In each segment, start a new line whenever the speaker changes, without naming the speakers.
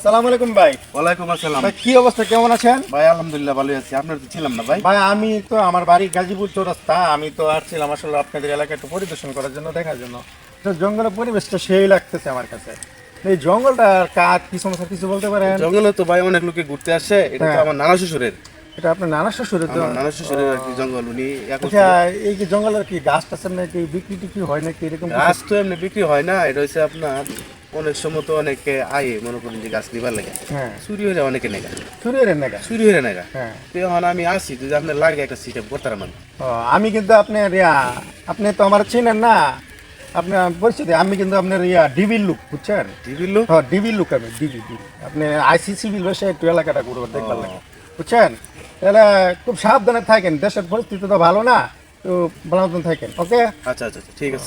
আসসালামু আলাইকুম ভাই।
ওয়ালাইকুম আসসালাম।
ভাই কি অবস্থা, কেমন আছেন?
ভাই আলহামদুলিল্লাহ ভালোই আছি। আপনার তো ছিলাম না ভাই।
ভাই আমি তো আমার বাড়ি গাজীপুর চৌরাস্তা, আমি তো আসছিলাম আসলে আপনাদের এলাকা একটু পরিদর্শন করার জন্য, দেখার জন্য। তো জঙ্গলের পরিবেশটা সেই লাগতেছে আমার কাছে। এই জঙ্গলটা কাজ কি সমস্যা কিছু বলতে পারেন?
জঙ্গলে তো ভাই অনেক লোকে ঘুরতে আসে। এটা তো
হ্যাঁ।
আমার নানা শ্বশুরের।
এটা আপনার নানা শ্বশুরের? তো
আমার নানা শ্বশুরের আর কি জঙ্গল। উনি এখন
আচ্ছা, এই যে জঙ্গলের কি গাছ টাছ নাকি বিক্রি টিক্রি হয় নাকি এরকম কিছু?
গাছ তো এমনি বিক্রি হয় না। এটা হচ্ছে আপনার অনেক সময় তো অনেকে আয়ে মনে করেন যে গাছ নিবার লাগে,
হ্যাঁ,
চুরি হয়ে যায় অনেকে নেগা,
চুরি এর নাকি?
চুরি হয়ে নেগা।
হ্যাঁ।
তো এখন আমি আসি যদি আপনার লাগে একটা সিস্টেম করতে পারবেন।
ও, আমি কিন্তু আপনার আপনি তো আমার চিনেন না, আপনার পরিচিতি। আমি কিন্তু আপনার ডিবির লোক, বুঝছেন?
টিভির লোক।
হ্যাঁ, ডিবির লোক আমি, ডিবি ডিবি। আপনি আইসিসি বিল বসে একটু এলাকাটা ঘুরবার দেখবার লাগে, বুঝছেন? তাহলে খুব সাবধানে থাকেন, দেশের পরিস্থিতি তো ভালো না, তো ভালো মতন থাকেন। ওকে,
আচ্ছা আচ্ছা ঠিক আছে।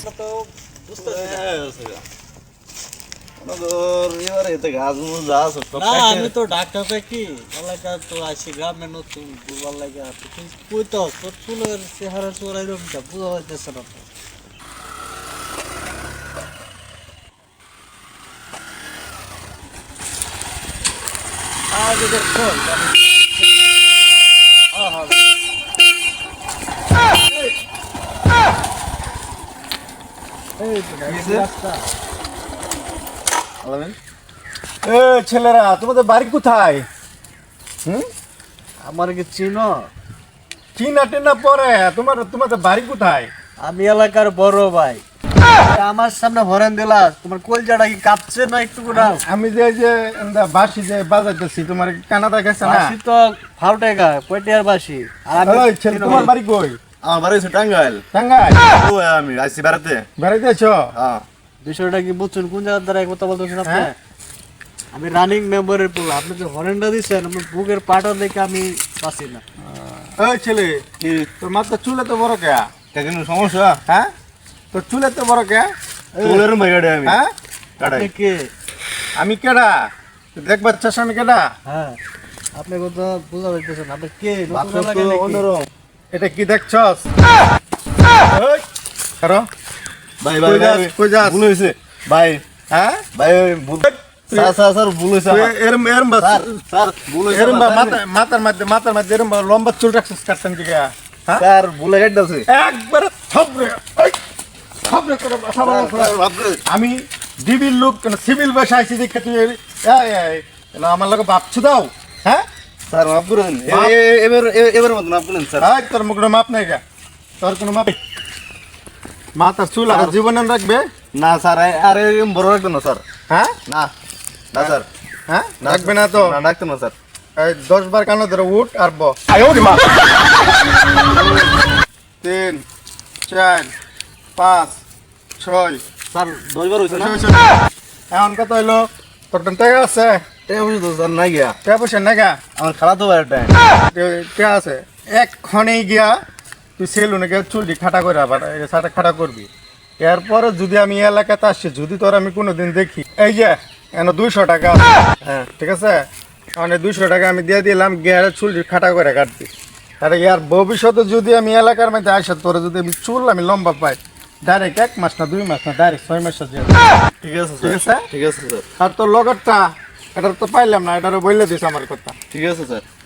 না আমি তো ডাক্তার কি এলাকা তো আছি গ্রামে নতুন বুঝবার লাগে আর কই তো তোর চুলের চেহারা চোরাই রকমটা বুঝা যাচ্ছে না তো। আগে দেখো
এ ছেলেরা, তোমাদের বাড়ি কোথায়?
আমার কি চিনো?
চিনা টিনা পরে তোমাদের বাড়ি কোথায়?
আমি এলাকার বড় ভাই। আমার সামনে হরেন দিলা, তোমার কলজাটা কি কাঁপছে না একটু করে?
আমি যে বাসি যে বাজাইতেছি, তোমার কানাডা গেছে না?
বাসি তো ফাউটে গা কয়টিয়ার বাসি। আর আমি
ওই ছেলে, তোমার বাড়ি কই?
আমার বাড়ি হচ্ছে টাঙ্গাইল।
টাঙ্গাইল?
আমি আসছি বেড়াতে।
বেড়াইতে আছো?
হ্যাঁ।
বিষয়টা কি বুঝছেন? কোন জায়গার দ্বারা কথা বলতেছেন আপনি?
হ্যাঁ।
আমি রানিং মেম্বারের পোলা, আপনি যে হরেনটা দিচ্ছেন আমার বুকের পাটা দেখে আমি পাচ্ছি না।
ওই ছেলে, তোর মাথা চুলে তো বড় কে?
কোনো সমস্যা?
হ্যাঁ, তোর চুলে তো বড় কে?
চুলের ভাই কাটে আমি।
হ্যাঁ,
আপনি কে?
আমি কেডা? তুই দেখবার চাস আমি কেডা?
হ্যাঁ, আপনি কথা বোঝা যাইতেছেন, আপনি কে? নতুন
বাচ্চা
এলাকায়
তো
নাকি?
অন্যরকম।
এটা কি দেখছস? ওই, কারো?
ভাই
কই যাস, কই যাস?
ভুল হয়েছে ভাই।
হ্যাঁ?
ভাই ভুল। স্যার ভুল হয়েছে আমার।
এরম এরম
স্যার ভুল হয়েছে
এরম
আমার।
মাথার মধ্যে এরম লম্বা চুল রাখছিস কাটছেন দিকে? হ্যাঁ,
স্যার ভুলে কাটতেছে।
একবারে থবরে, ওই, থবরে করে মাথা বড় করে। আমি ডিবির লোক, সিভিল বসে আইছি দেখে তুই আমার লোক ভাবছু দাও? হ্যাঁ,
স্যার মাফ করুন। এবার মতো মাফ করুন স্যার।
হ্যাঁ, তোর মুখে মাপ নাই গা, তোর কোনো মাপ? মাথার চুল আর জীবনে রাখবে
না স্যার, আরে বড় রাখতো না স্যার।
হ্যাঁ,
না না স্যার,
হ্যাঁ রাখবে না তো?
না রাখতো না স্যার।
এই 10 বার কানো ধরে উঠ আর ব। 3 4 5 6।
স্যার 10 বার হয়েছে না?
এখন কত হইলো? তোর টাকা আছে?
টাকা পয়সা তো স্যার নাই গিয়া।
টাকা পয়সা নাগা?
আমার খারাপ তো ভাই একটা।
টাকা আছে এক্ষণেই গিয়া তুই সেলুনে গিয়ে চুলটি খাটা করে আবার সাটা খাটা করবি। এরপরে যদি আমি এই এলাকাতে আসছি, যদি তোর আমি কোনোদিন দেখি, এই যে এনে 200 টাকা আছে, হ্যাঁ ঠিক আছে, মানে 200 টাকা আমি দিয়ে দিলাম, গিয়ে চুলটি খাটা করে কাটবি। আরে ইয়ার ভবিষ্যতে যদি আমি এলাকার মধ্যে আসে, তোরা যদি আমি চুল আমি লম্বা পাই, ডাইরেক্ট 1 মাস না 2 মাস না, ডাইরেক্ট 6 মাস আছে।
ঠিক আছে
ঠিক
স্যার,
আছে?
ঠিক আছে স্যার,
আর তোর লগরটা, এটা তো পাইলাম না, এটারও বললে দিস আমার কথা।
ঠিক আছে স্যার।